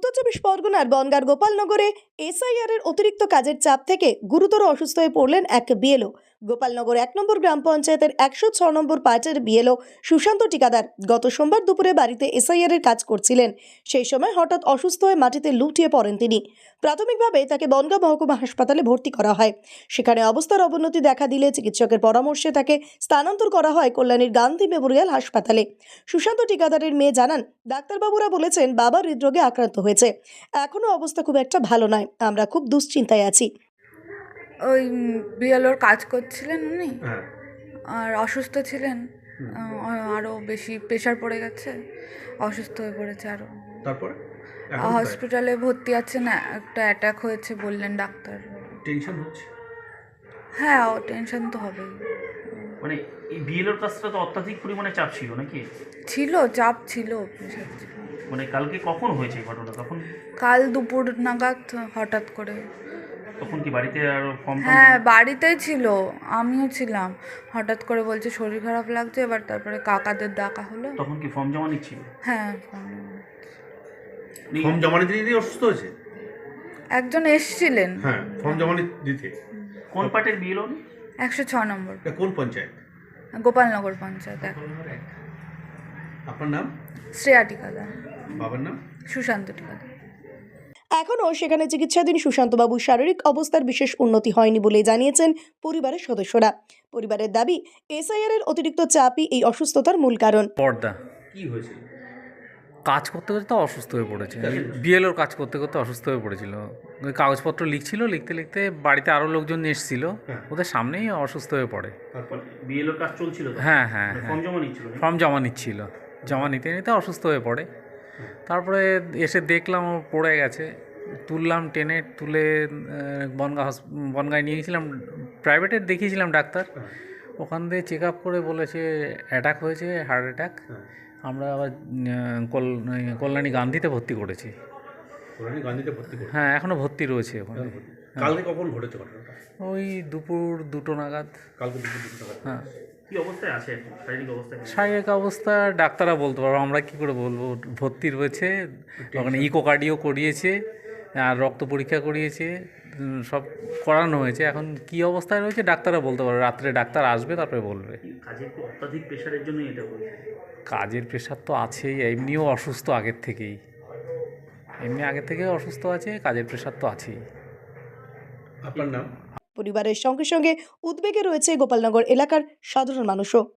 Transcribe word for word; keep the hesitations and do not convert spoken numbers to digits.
উত্তর চব্বিশ পরগনার বনগাঁর গোপালনগরে এসআইআর এর অতিরিক্ত কাজের চাপ থেকে গুরুতর অসুস্থ হয়ে পড়লেন এক বিএলও। গোপালনগর এক নম্বর গ্রাম পঞ্চায়েতের একশো ছ নম্বর পার্টের বিএলও সুশান্ত ঠিকাদার গত সোমবার দুপুরে বাড়িতে এসআইআর এর কাজ করছিলেন। সেই সময় হঠাৎ অসুস্থ হয়ে মাটিতে লুটিয়ে পড়েন তিনি। প্রাথমিকভাবে তাকে বনগাঁ মহকুমা হাসপাতালে ভর্তি করা হয়। সেখানে অবস্থার অবনতি দেখা দিলে চিকিৎসকের পরামর্শে তাকে স্থানান্তর করা হয় কল্যাণীর গান্ধী মেমোরিয়াল হাসপাতালে। সুশান্ত ঠিকাদারের মেয়ে জানান, ডাক্তারবাবুরা বলেছেন বাবা হৃদরোগে আক্রান্ত হয়েছে, এখনো অবস্থা খুব একটা ভালো নয়, আমরা খুব দুশ্চিন্তায় আছি। ওই বিএলওর কাজ করছিলেন উনি, হ্যাঁ। আর অসুস্থ ছিলেন, আরও বেশি প্রেশার পড়ে গেছে, অসুস্থ হয়ে পড়েছে আরও। তারপরে হসপিটালে ভর্তি আছেন, একটা অ্যাটাক হয়েছে বললেন ডাক্তার। টেনশন হচ্ছে? হ্যাঁ, ও টেনশন তো হবেই। মানে এই বিএলওর কাজটা তো অত্যাধিক পরিমাণে চাপ ছিল নাকি? ছিল, চাপ ছিল, প্রেশার ছিল। মানে কালকে কখন হয়েছে এই ঘটনা? তখন কাল দুপুর নাগাদ হঠাৎ করে। তখন কি বাড়িতে আর ফর্ম? হ্যাঁ, বাড়িতেই ছিল, আমিও ছিলাম। হঠাৎ করে বলছে শরীর খারাপ লাগছে, এবার তারপরে কাকাদের ডাকা হলো। তখন কি ফর্ম জমা নিচ্ছিল? হ্যাঁ, ফর্ম জমা দিতে দিতে অসুস্থ হয়েছে? একজন এসছিলেন। হ্যাঁ, ফর্ম জমা দিতে। কোন পার্টের বিএলও? একশো ছ নম্বর, এটা কোন পঞ্চায়েত? গোপালনগর পঞ্চায়েত। আপনার নাম? শ্রেয়া ঠিকাদার। বাবার নাম? সুশান্ত ঠিকাদার। এখনও সেখানে চিকিৎসাধীন সুশান্তবাবুর শারীরিক অবস্থার বিশেষ উন্নতি হয়নি বলে জানিয়েছেন পরিবারের সদস্যরা। পরিবারের দাবি, এসআইআর এর অতিরিক্ত চাপই এই অসুস্থতার মূল কারণ। পর্দা কি হয়েছিল? কাজ করতে করতে তো অসুস্থ হয়ে পড়েছে। বিএলওর কাজ করতে করতে অসুস্থ হয়ে পড়েছিল। ওই কাগজপত্র লিখছিল, লিখতে লিখতে বাড়িতে আরও লোকজন এসেছিল, ওদের সামনেই অসুস্থ হয়ে পড়ে। তারপর বিএলওর কাজ চলছিল তো? হ্যাঁ হ্যাঁ ফর্ম হ্যাঁ জমা নিচ্ছিল? ফর্ম জমা নিচ্ছিল, জমা নিতে নিতে অসুস্থ হয়ে পড়ে। তারপরে এসে দেখলাম ও পড়ে গেছে, তুললাম, টেনে তুলে বনগাঁ হস বনগাঁয় নিয়ে গেছিলাম, প্রাইভেটে দেখিয়েছিলাম ডাক্তার। ওখান থেকে চেক আপ করে বলেছে অ্যাটাক হয়েছে, হার্ট অ্যাটাক। আমরা আবার কল্যাণী গান্ধীতে ভর্তি করেছি। কল্যাণী গান্ধীতে ভর্তি করে? হ্যাঁ, এখনও ভর্তি রয়েছে ওখানে। কালকে কখন ঘটেছে ঘটনাটা? ওই দুপুর দুটো নাগাদ। কালকে দুপুর দুটো নাগাদ। হ্যাঁ। কি অবস্থায় আছে এখন? শারীরিক অবস্থা? শারীরিক অবস্থা ডাক্তাররা বলতে পারবো, আমরা কী করে বলবো। ভর্তি রয়েছে ওখানে, ইকোকার্ডিও করিয়েছে আর রক্ত পরীক্ষা করিয়েছে, সব করানো হয়েছে। এখন কি অবস্থায় রয়েছে ডাক্তাররা বলতে পারবে, রাত্রে ডাক্তার আসবে তারপরে বলবে। কাজের কি অত্যাধিক প্রেশারের জন্যই এটা বলছে? কাজের প্রেশার তো আছেই, এমনিও অসুস্থ আগের থেকেই, এমনি আগের থেকে অসুস্থ আছে, কাজের প্রেশার তো আছেই। আপনার নাম? পরিবারের সঙ্গে সঙ্গে উদ্বেগে রয়েছে গোপালনগর এলাকার সাধারণ মানুষও।